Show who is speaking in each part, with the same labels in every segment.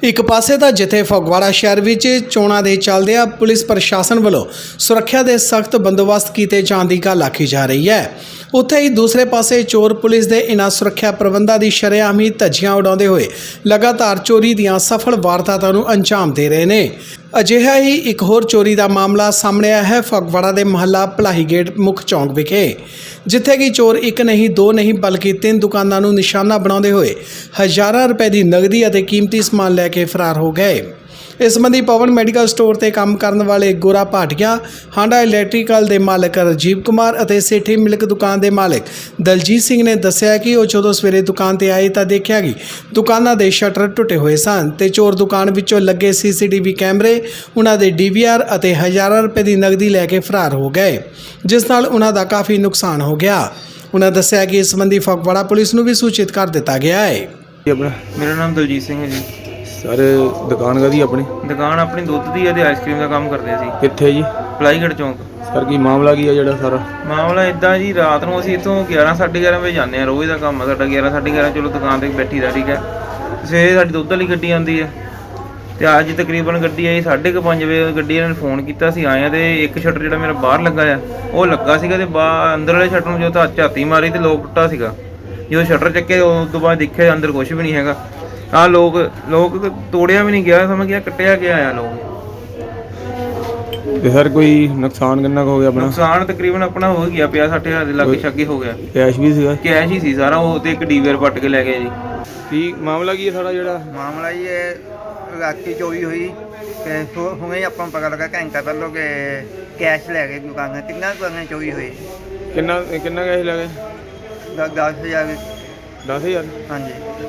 Speaker 1: ਇੱਕ ਪਾਸੇ ਤਾਂ ਜਿੱਥੇ ਫਗਵਾੜਾ ਸ਼ਹਿਰ ਵਿੱਚ ਚੋਣਾਂ ਦੇ ਚੱਲਦਿਆਂ ਪੁਲਿਸ ਪ੍ਰਸ਼ਾਸਨ ਵੱਲੋਂ ਸੁਰੱਖਿਆ ਦੇ ਸਖਤ ਬੰਦੋਬਸਤ ਕੀਤੇ ਜਾਣ ਦੀ ਗੱਲ ਆਖੀ ਜਾ ਰਹੀ ਹੈ, ਉੱਥੇ ਹੀ ਦੂਸਰੇ ਪਾਸੇ ਚੋਰ ਪੁਲਿਸ ਦੇ ਇਨ੍ਹਾਂ ਸੁਰੱਖਿਆ ਪ੍ਰਬੰਧਾਂ ਦੀ ਸ਼ਰੇਆਮ ਹੀ ਧੱਜੀਆਂ ਉਡਾਉਂਦੇ ਹੋਏ ਲਗਾਤਾਰ ਚੋਰੀ ਦੀਆਂ ਸਫਲ ਵਾਰਦਾਤਾਂ ਨੂੰ ਅੰਜਾਮ ਦੇ ਰਹੇ ਨੇ। ਅਜਿਹਾ ਹੀ ਇੱਕ ਹੋਰ ਚੋਰੀ ਦਾ ਮਾਮਲਾ ਸਾਹਮਣੇ ਆਇਆ ਹੈ ਫਗਵਾੜਾ ਦੇ ਮੁਹੱਲਾ ਭਲਾਈ ਗੇਟ ਮੁੱਖ ਚੌਂਕ ਵਿਖੇ, ਜਿੱਥੇ ਕਿ ਚੋਰ ਇੱਕ ਨਹੀਂ ਦੋ ਨਹੀਂ ਬਲਕਿ 3 ਦੁਕਾਨਾਂ ਨੂੰ ਨਿਸ਼ਾਨਾ ਬਣਾਉਂਦੇ ਹੋਏ ਹਜ਼ਾਰਾਂ ਰੁਪਏ ਦੀ ਨਗਦੀ ਅਤੇ ਕੀਮਤੀ ਸਮਾਨ ਲੈ ਕੇ ਫਰਾਰ ਹੋ ਗਏ। ਇਸ ਸੰਬੰਧੀ ਪਵਨ ਮੈਡੀਕਲ ਸਟੋਰ ਤੇ ਕੰਮ ਕਰਨ ਵਾਲੇ ਗੋਰਾ ਭਾਟੀਆ, ਹਾਂਡਾ ਇਲੈਕਟ੍ਰੀਕਲ ਦੇ ਮਾਲਕ ਰਾਜੀਵ ਕੁਮਾਰ ਅਤੇ ਸੇਠੀ ਮਿਲਕ ਦੁਕਾਨ ਦੇ ਮਾਲਕ ਦਲਜੀਤ ਸਿੰਘ ਨੇ ਦੱਸਿਆ ਕਿ ਉਹ ਜਦੋਂ ਸਵੇਰੇ ਦੁਕਾਨ ਤੇ ਆਏ ਤਾਂ ਦੇਖਿਆ ਕਿ ਦੁਕਾਨਾਂ ਦੇ ਸ਼ਟਰ ਟੁੱਟੇ ਹੋਏ ਸਨ ਤੇ ਚੋਰ ਦੁਕਾਨ ਵਿੱਚੋਂ ਲੱਗੇ ਸੀਸੀਟੀਵੀ ਕੈਮਰੇ, ਉਹਨਾਂ ਦੇ ਡੀਵੀਆਰ ਅਤੇ ਹਜ਼ਾਰਾਂ ਰੁਪਏ ਦੀ ਨਗਦੀ ਲੈ ਕੇ ਫਰਾਰ ਹੋ ਗਏ, ਜਿਸ ਨਾਲ ਉਹਨਾਂ ਦਾ ਕਾਫੀ ਨੁਕਸਾਨ ਹੋ ਗਿਆ। ਉਹਨਾਂ ਦੱਸਿਆ ਕਿ ਇਸ ਸੰਬੰਧੀ ਫਗਵਾੜਾ ਪੁਲਿਸ ਨੂੰ ਵੀ ਸੂਚਿਤ ਕਰ ਦਿੱਤਾ ਗਿਆ ਹੈ।
Speaker 2: ਮੇਰਾ ਨਾਮ ਦਲਜੀਤ ਸਿੰਘ ਹੈ ਜੀ।
Speaker 3: ਸਰ ਦੁਕਾਨ ਕਾਹਦੀ ਆਪਣੀ?
Speaker 2: ਦੁਕਾਨ ਆਪਣੀ ਦੁੱਧ ਦੀ ਹੈ ਤੇ ਆਈਸਕ੍ਰੀਮ ਦਾ ਕੰਮ ਕਰਦੇ ਸੀ।
Speaker 3: ਕਿੱਥੇ ਜੀ?
Speaker 2: ਪਲਾਈਗੜ ਚੌਂਕ।
Speaker 3: ਸਰ ਕੀ ਮਾਮਲਾ ਕੀ ਹੈ ਜਿਹੜਾ ਸਾਰਾ?
Speaker 2: ਮਾਮਲਾ ਇਦਾਂ ਜੀ, ਰਾਤ ਨੂੰ ਅਸੀਂ ਇੱਥੋਂ 11:30 ਵਜੇ ਜਾਂਦੇ ਹਾਂ। ਰੋਜ਼ ਦਾ ਕੰਮ ਹੈ ਸਾਡਾ 11:30 ਚਲੋ ਦੁਕਾਨ ਤੇ ਬੈਠੀ ਦਾ, ਠੀਕ ਹੈ। ਸਵੇਰੇ ਸਾਡੀ ਦੁੱਧ ਵਾਲੀ ਗੱਡੀ ਆਉਂਦੀ ਹੈ ਤੇ ਅੱਜ ਤਕਰੀਬਨ ਗੱਡੀ ਆਈ 5:30 ਵਜੇ। ਗੱਡੀ ਇਹਨਾਂ ਨੇ ਫੋਨ ਕੀਤਾ, ਅਸੀਂ ਆਏ ਤੇ ਇੱਕ ਸ਼ਟਰ ਜਿਹੜਾ ਮੇਰਾ ਬਾਹਰ ਲੱਗਾ ਆ ਉਹ ਲੱਗਾ ਸੀਗਾ ਤੇ ਅੰਦਰ ਵਾਲੇ ਸ਼ਟਰ ਨੂੰ ਜੋ ਤਾਂ ਝਾਤੀ ਮਾਰੀ ਤੇ ਲੋਕ ਟੁੱਟਾ ਸੀਗਾ। ਜਦੋਂ ਸ਼ਟਰ ਚੱਕੇ ਉਸ ਤੋਂ ਬਾਅਦ ਦੇਖਿਆ ਅੰਦਰ ਕੁਝ ਵੀ ਨਹੀਂ ਹੈਗਾ। ਆਹ ਲੋਕ ਤੋੜਿਆ ਵੀ ਨਹੀਂ ਗਿਆ, ਸਮਝ ਗਿਆ ਕੱਟਿਆ ਗਿਆ ਆ ਲੋਕ।
Speaker 3: ਤੇ ਸਰ ਕੋਈ ਨੁਕਸਾਨ ਕਿੰਨਾ ਕੁ ਹੋ ਗਿਆ ਆਪਣਾ?
Speaker 2: ਨੁਕਸਾਨ ਤਕਰੀਬਨ ਆਪਣਾ ਹੋ ਗਿਆ 50-60 ਹਜ਼ਾਰ ਦੇ ਲਾਗੇ ਛਾਗੇ ਹੋ ਗਿਆ।
Speaker 3: ਕੈਸ਼ ਵੀ ਸੀਗਾ?
Speaker 2: ਕੈਸ਼ ਹੀ ਸੀ ਸਾਰਾ, ਉਹ ਤੇ ਇੱਕ ਡੀਵੀਆਰ ਪੱਟ ਕੇ ਲੈ ਗਏ ਜੀ।
Speaker 3: ਕੀ ਮਾਮਲਾ ਕੀ ਹੈ ਸਾਰਾ ਜਿਹੜਾ?
Speaker 4: ਮਾਮਲਾ ਜੀ ਇਹ ਰਾਤੀ ਚੋਰੀ ਹੋਈ ਤੇ ਹੁਣੇ ਹੀ ਆਪਾਂ ਨੂੰ ਪਤਾ ਲੱਗਾ ਘੰਟਾ ਪਹਿਲਾਂ ਕਿ ਕੈਸ਼ ਲੈ ਗਏ ਦੁਕਾਨਾਂ, 3 ਦੁਕਾਨਾਂ ਚੋਰੀ ਹੋਈ।
Speaker 3: ਕਿੰਨਾ ਕੈਸ਼ ਲੱਗੇ?
Speaker 4: 10,000।
Speaker 3: 10,000?
Speaker 4: ਹਾਂਜੀ।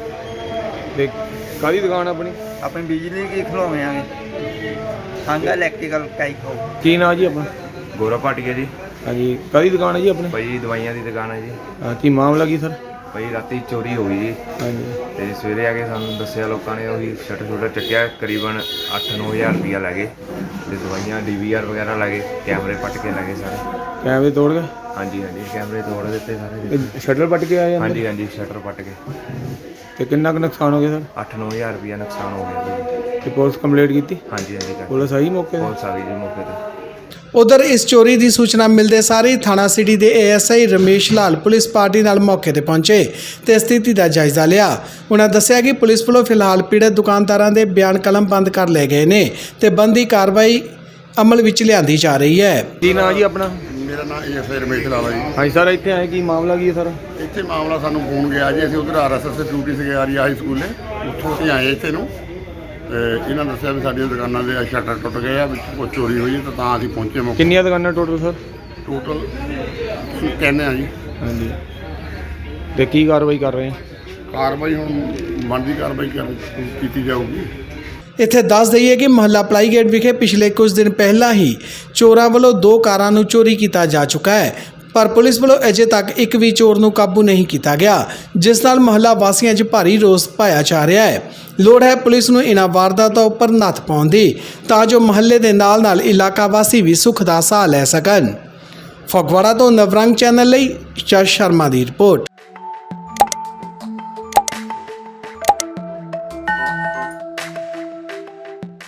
Speaker 3: ਤੇ ਕਾਹਦੀ ਦੁਕਾਨ ਆਪਣੀ?
Speaker 4: ਆਪਣੀ ਬਿਜਲੀ ਦੀ ਖਲੋਵੇਂ ਆਗੇ, ਹਾਂਗਾ ਇਲੈਕਟ੍ਰੀਕਲ ਟਾਈਪ ਹੋ।
Speaker 3: ਕੀ ਨਾਂ ਜੀ ਆਪਣਾ?
Speaker 5: ਗੋਰਾ ਭਾਟੀਆ ਜੀ।
Speaker 3: ਹਾਂਜੀ, ਕਾਹਦੀ ਦੁਕਾਨ ਹੈ ਜੀ ਆਪਣੀ?
Speaker 5: ਭਾਈ ਦਵਾਈਆਂ ਦੀ ਦੁਕਾਨ ਹੈ ਜੀ।
Speaker 3: ਕੀ ਮਾਮਲਾ ਕੀ ਸਰ?
Speaker 5: ਭਾਈ ਰਾਤੀ ਚੋਰੀ ਹੋ ਗਈ ਜੀ।
Speaker 3: ਹਾਂਜੀ।
Speaker 5: ਤੇ ਸਵੇਰੇ ਆ ਕੇ ਸਾਨੂੰ ਦੱਸਿਆ ਲੋਕਾਂ ਨੇ, ਉਹੀ ਸ਼ਟਰ ਚੱਕਿਆ, ਕਰੀਬਨ 8-9 ਹਜ਼ਾਰ ਰੁਪਈਆ ਲੈ ਗਏ ਤੇ ਦਵਾਈਆਂ ਡੀਵੀਆਰ ਵਗੈਰਾ ਲੈ ਗਏ, ਕੈਮਰੇ ਪੱਟ ਕੇ ਲੈ ਗਏ ਸਾਰੇ।
Speaker 3: ਕੈਮਰੇ ਤੋੜ ਗਏ?
Speaker 5: ਹਾਂਜੀ ਕੈਮਰੇ ਤੋੜ ਦਿੱਤੇ ਸਾਰੇ।
Speaker 3: ਸ਼ਟਰ ਪੱਟ ਕੇ ਆਏ?
Speaker 5: ਹਾਂਜੀ ਸ਼ਟਰ ਪੱਟ ਕੇ।
Speaker 3: ਤੇ ਕਿੰਨਾ ਕੁ ਨੁਕਸਾਨ ਹੋ ਗਿਆ ਸਰ?
Speaker 5: 8-9 ਹਜ਼ਾਰ ਰੁਪਈਆ ਨੁਕਸਾਨ ਹੋ ਗਿਆ ਜੀ।
Speaker 3: ਤੇ ਪੁਲਿਸ ਕੰਪਲੇਂਟ ਕੀਤੀ?
Speaker 5: ਹਾਂਜੀ
Speaker 3: ਪੁਲਿਸ ਆਈ ਮੌਕੇ ਤੇ?
Speaker 5: ਪੁਲਿਸ ਆ ਗਈ ਜੀ ਮੌਕੇ ਤੇ।
Speaker 1: ਉਧਰ ਇਸ ਚੋਰੀ ਦੀ ਸੂਚਨਾ ਮਿਲਦੇ ਸਾਰ ਹੀ ਥਾਣਾ ਸਿਟੀ ਦੇ ASI Ramesh Lal police party ਨਾਲ ਮੌਕੇ ਤੇ ਪਹੁੰਚੇ ਤੇ ਸਥਿਤੀ ਦਾ ਜਾਇਜ਼ਾ ਲਿਆ। ਉਹਨਾਂ ਦੱਸਿਆ ਕਿ ਪੁਲਿਸ ਵੱਲੋਂ ਫਿਲਹਾਲ ਪੀੜਤ ਦੁਕਾਨਦਾਰਾਂ ਦੇ ਬਿਆਨ ਕਲਮਬੰਦ ਕਰ ਲਏ ਗਏ ਨੇ ਤੇ ਬੰਦੀ ਕਾਰਵਾਈ ਅਮਲ ਵਿੱਚ ਲਿਆਂਦੀ ਜਾ ਰਹੀ ਹੈ।
Speaker 3: ਕੀ ਨਾਂ ਜੀ ਆਪਣਾ?
Speaker 6: ਮੇਰਾ ਨਾਮ ਏਐਸਆਈ ਰਮੇਸ਼ ਲਾਲ ਜੀ।
Speaker 3: ਹਾਂਜੀ ਸਰ, ਇੱਥੇ ਆਏ ਕੀ ਮਾਮਲਾ ਕੀ ਹੈ ਸਰ?
Speaker 6: ਇੱਥੇ ਮਾਮਲਾ ਸਾਨੂੰ ਫੋਨ ਗਿਆ ਜੀ, ਅਸੀਂ ਉਧਰ ਆਰਐਸਐਸ ਦੀ ਡਿਊਟੀ ਸੀਗੇ ਆਰੀ ਹਾਈ ਸਕੂਲੇ, ਉੱਥੋਂ ਅਸੀਂ ਆਏ ਇੱਥੇ ਨੂੰ ਤੇ ਇਹਨਾਂ ਦੱਸਿਆ ਵੀ ਸਾਡੀਆਂ ਦੁਕਾਨਾਂ ਦੇ ਸ਼ਟਰ ਟੁੱਟ ਗਏ ਆ, ਵਿੱਚ ਕੋਈ ਚੋਰੀ ਹੋਈ ਤਾਂ ਅਸੀਂ ਪਹੁੰਚੇ ਮੌਕੇ।
Speaker 3: ਕਿੰਨੀਆਂ ਦੁਕਾਨਾਂ ਟੋਟਲ ਸਰ?
Speaker 6: ਟੋਟਲ ਕਹਿੰਦੇ ਆ ਜੀ।
Speaker 3: ਹਾਂਜੀ। ਤੇ ਕੀ ਕਾਰਵਾਈ ਕਰ ਰਹੇ ਆ?
Speaker 6: ਕਾਰਵਾਈ ਹੁਣ ਬਣਦੀ ਕਾਰਵਾਈ ਕੀਤੀ ਜਾਊਗੀ।
Speaker 1: ਇੱਥੇ ਦੱਸ ਦਈਏ ਕਿ ਮੁਹੱਲਾ ਪਲਾਈ ਗੇਟ ਵਿਖੇ ਪਿਛਲੇ ਕੁਝ ਦਿਨ ਪਹਿਲਾਂ ਹੀ ਚੋਰਾਂ ਵੱਲੋਂ 2 ਕਾਰਾਂ ਨੂੰ ਚੋਰੀ ਕੀਤਾ ਜਾ ਚੁੱਕਾ ਹੈ, ਪਰ ਪੁਲਿਸ ਵੱਲੋਂ ਅਜੇ ਤੱਕ ਇੱਕ ਵੀ ਚੋਰ ਨੂੰ ਕਾਬੂ ਨਹੀਂ ਕੀਤਾ ਗਿਆ, ਜਿਸ ਨਾਲ ਮੁਹੱਲਾ ਵਾਸੀਆਂ 'ਚ ਭਾਰੀ ਰੋਸ ਪਾਇਆ ਜਾ ਰਿਹਾ ਹੈ। ਲੋੜ ਹੈ ਪੁਲਿਸ ਨੂੰ ਇਹਨਾਂ ਵਾਰਦਾਤਾਂ ਉੱਪਰ ਨੱਥ ਪਾਉਣ ਦੀ, ਤਾਂ ਜੋ ਮੁਹੱਲੇ ਦੇ ਨਾਲ ਇਲਾਕਾ ਵਾਸੀ ਵੀ ਸੁੱਖ ਦਾ ਸਾਹ ਲੈ ਸਕਣ। ਫਗਵਾੜਾ ਤੋਂ ਨਵਰੰਗ ਚੈਨਲ ਲਈ ਜਸ ਸ਼ਰਮਾ ਦੀ ਰਿਪੋਰਟ।